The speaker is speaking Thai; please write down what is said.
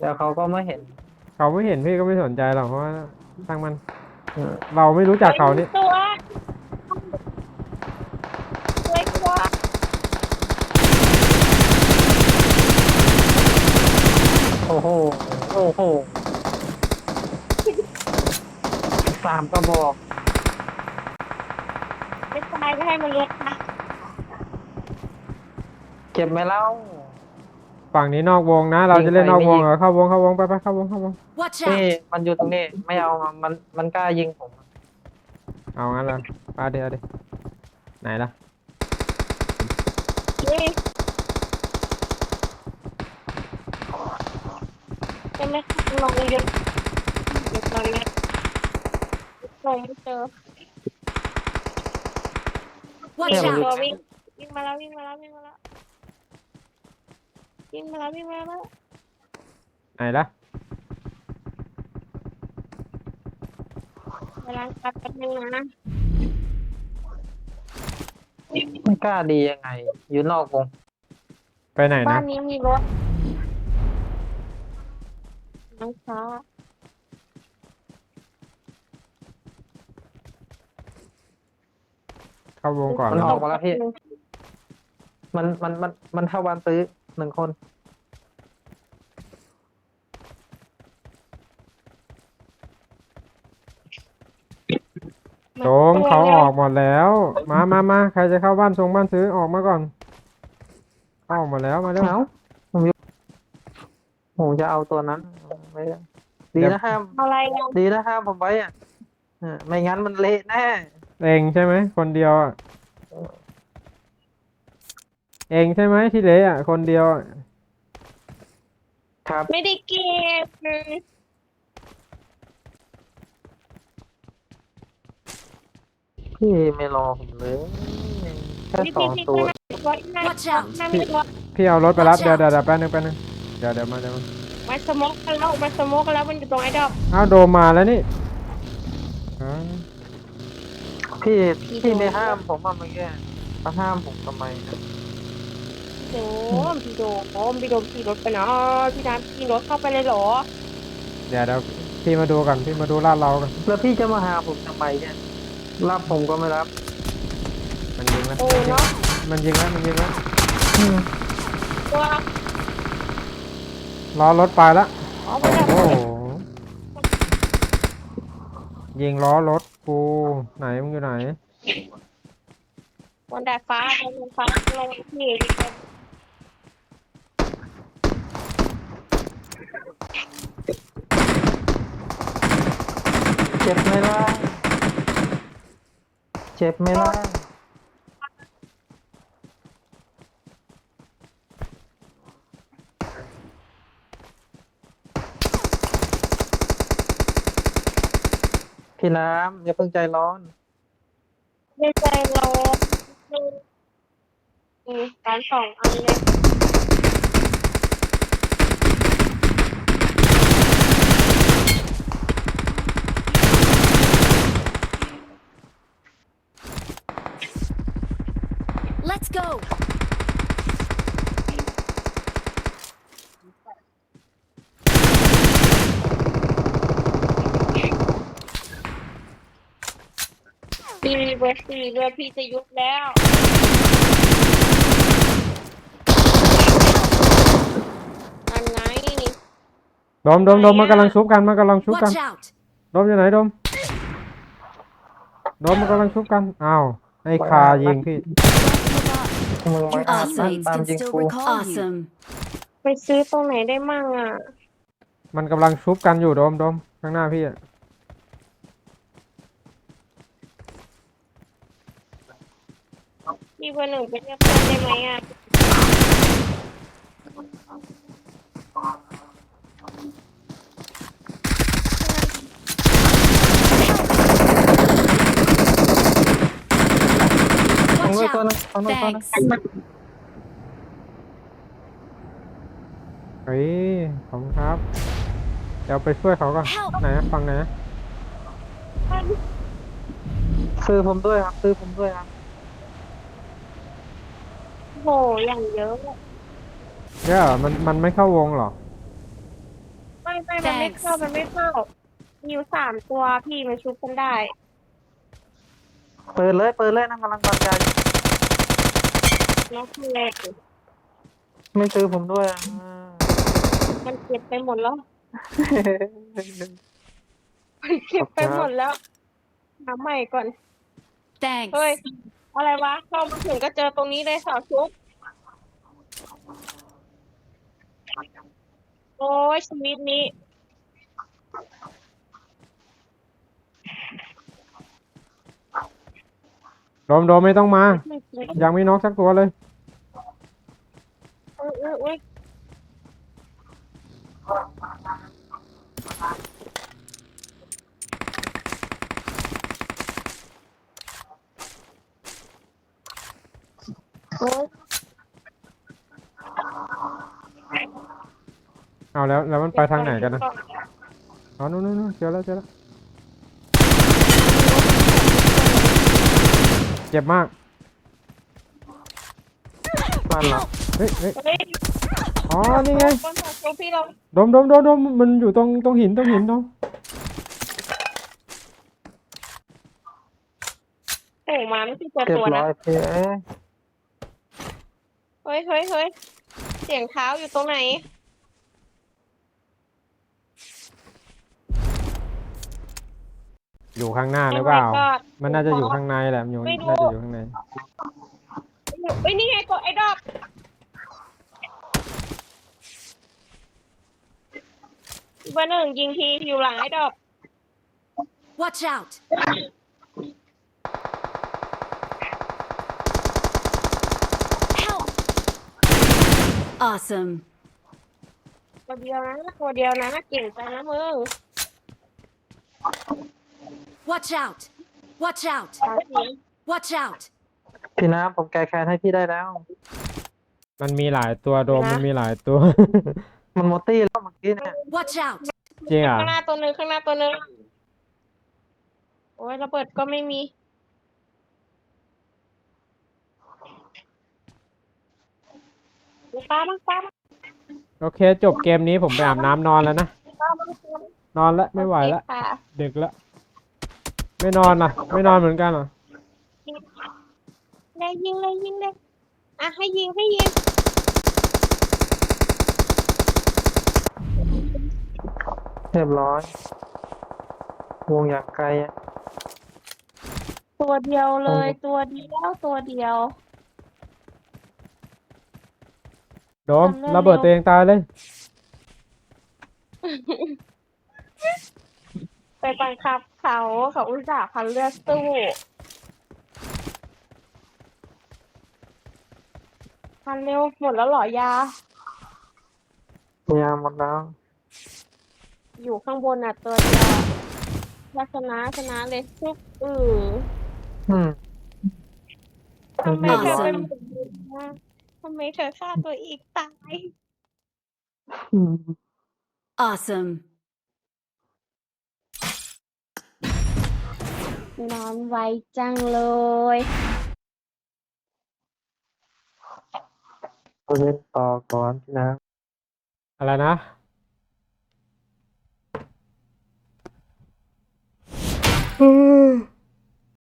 แล้วเขาก็ไม่เห็นเขาไม่เห็นพี่ก็ไม่สนใจหรอกเพราะว่าช่างมันเออเราไม่รู้จักเฮ้ยเขานี่ตัวตัวโอ้โหโอ้โห3 กระบอกไม่ตายก็ให้มันเลี้ยงนะเก็บไหมเล่าฝั่งนี้นอกวงนะเรายิงใครจะเล่นนอกไม่ยิงวงเหรอเข้าวงไปเข้าวง Watch นี่ out! มันอยู่ตรงนี้ไม่เอามันกล้ายิงผมเอางั้นละเอาดิไหนล่ะเฮ้ยจะไม่ลองเยอะเดี๋ยวลองเยอะลองไม่เจอ Watch เนี่ยมันอยู่ตัว out! วิ่งมาแล้ววิ่งมาแล้ววิ่งมาแล้ววิ่งมาแล้ววิ่งมาแล้วไหนล่ะเวลาตัดกันนึงนะไม่กล้าดียังไงอยู่นอกวงไปไหนบ้านะนนี้มีรถน้องฟ้าเข้าวงก่อนมันแล้วออกมาแล้วพี่มันเท่าวันซื้อ1 คนโจมเขาออกหมดแล้วมาใครจะเข้าบ้านซื้อออกมาก่อนเข้าออกหมดแล้วมาเร็วเอ้าผมจะเอาตัวนั้นไม่ได้ดีนะห้ามอะไรกันดีนะห้ามผมไว้อ่ะไม่งั้นมันเละแน่เองใช่ไหมคนเดียวอะเองใช่ไหมที่เหลืออ่ะคนเดียวอะครับไม่ได้เก็บพี่ไม่รอผมเลยแค่พี่ 2 ตัวรถนั่น Watch out นั่นมีรถพี่เอารถไปรับ Watch เดี๋ยว out แป๊บนึงเดี๋ยวมามาสโมกกันแล้วมาสโมกกันแล้วมันอยู่ตรงไอ้ดอกอ้าวโดมมาแล้วนี่อ๋อพี่พี่พี่โดนไม่ห้ามผมอ่ะเมื่อกี้มาห้ามผมทำไมนะโอ้พี่โดมขี่รถไปนะพี่น้ำขี่รถเข้าไปเลยเหรอเดี๋ยวพี่มาดูกันพี่มาดูลาดเรากันแล้วพี่จะมาหาผมทำไมเนี่ยรับผมก็ไม่รับมันยิงแล้วโอ้เนาะมันยิงแล้วตัวล้อรถไปแล้วอ๋อไปแล้วโอ้โหยิงล้อรถกูไหนมึงอยู่ไหนบนดาดฟ้าบนฟ้าลงที่เจ็บไหมล่ะเจ็บไหมล่ะพี่น้ำอย่าเพิ่งใจร้อนในใจเรามีการ2 อันเลย Let's go! พี่เบอร์4เรือพี่จะยุบแล้วอันไหนโดมมันกำลังชุบกัน Watch out! โดมอยู่ไหนโดมมันกำลังชุบกันอ้าวไอ้คายิงพี่มึงมา Your อาบ teammates ตาม can ยิง still กู recall you. Awesome. ไปซื้อตรงไหนได้มั่งอ่ะมันกำลังชุบกันอยู่โดมข้างหน้าพี่อะพี่เบอร์ 1ไปเรียกเพื่อนได้ไหมอ่ะตรง Watch นู้นตัว out! นึงตรงนู้นตัวนึง Thanks. เฮ้ยขอบคุณครับเดี๋ยวไปช่วยเขาก่อน Help ไหนนะฟังไหนนะซื้อผมด้วยครับซื้อผมด้วยครับโหอย่างเยอะเดี๋ยวมันไม่เข้าวงหรอไม่มันไม่เข้ามันไม่เข้ามีอยู่3 ตัวพี่มันชุบกันได้เปิดเลยนั่งกำลังปั๊มยาอยู่แล้วคือแรกไม่ซื้อผมด้วยอ่ะมันเก็บไปหมดแล้วมันเก็บไปหมดแล้วหาใหม่ก่อน Thanks. เฮ้ยอะไรวะเข้ามาถึงก็เจอตรงนี้เลยสาวชุบโอ้ยชีวิตนี้โดมไม่ต้องมาไม่จริงยังไม่น็อกสักตัวเลยอุ้ยโอ้ยเอาแล้วมันไปทางไหนกันนะอ๋อนู่นเจอแล้วเจ็บมากบ้านเราเฮ้ยเฮ้ยอ๋อนี่ไงบนสาวชุบพี่เราโดมมันอยู่ตรงหินโดมโอ้มาไม่ใช่ตัวเรียบตัวร้นะอยพี่เฮ้ยเสียงเท้าอยู่ตรงไหนอยู่ข้างหน้าหรือเปล่า Oh my god มันน่าจะอยู่ข้างในแหละมันอยู่ไม่รู้น่าจะอยู่ข้างในเฮ้ยนี่ไงกดไอ้ดอกเบอร์ 1ยิงทีอยู่หลังไอ้ดอก Watch out. Help. Awesome. ตัวเดียวนะเก่งจังนะมึง Watch out. Watch out. สาวจริง Watch out. พี่น้ำผมแก้แค้นให้พี่ได้แล้วมันมีหลายตัวโดมนะมันมีหลายตัวมันหมดตี้แล้วเมื่อกี้เนี่ย Watch out. จริงอ่ะข้างหน้าตัวหนึ่งโอ้ยระเบิดก็ไม่มีป้าบ้างโอเคจบเกมนี้ผมไปอาบน้ำนอนแล้วนะ นอนแล้วไม่ไหวแล้วค่ะดึกแล้วไม่นอนไม่นอนเหมือนกันเหรอเลยยิงเลยอ่ะให้ยิงเรียบร้อย วงอย่างไกลอะตัวเดียวเลยตัวเดียวโดมทำเร็วระเบิดตัวเองตายเลยไปบังคับเขาอุตส่าห์พันเลือดสู้พันเร็วหมดแล้วเหรอยายาหมดแล้วอยู่ข้างบนอ่ะตัวเดียวถ้าชนะเลยทุกอืมทำไมเธอ Awesome เป็นแบบนี้นะทำไมเธอฆ่าตัวเองตายอืม Awesome. นอนไวจังเลยตัวเล่นต่อก่อนพี่น้อะไรนะ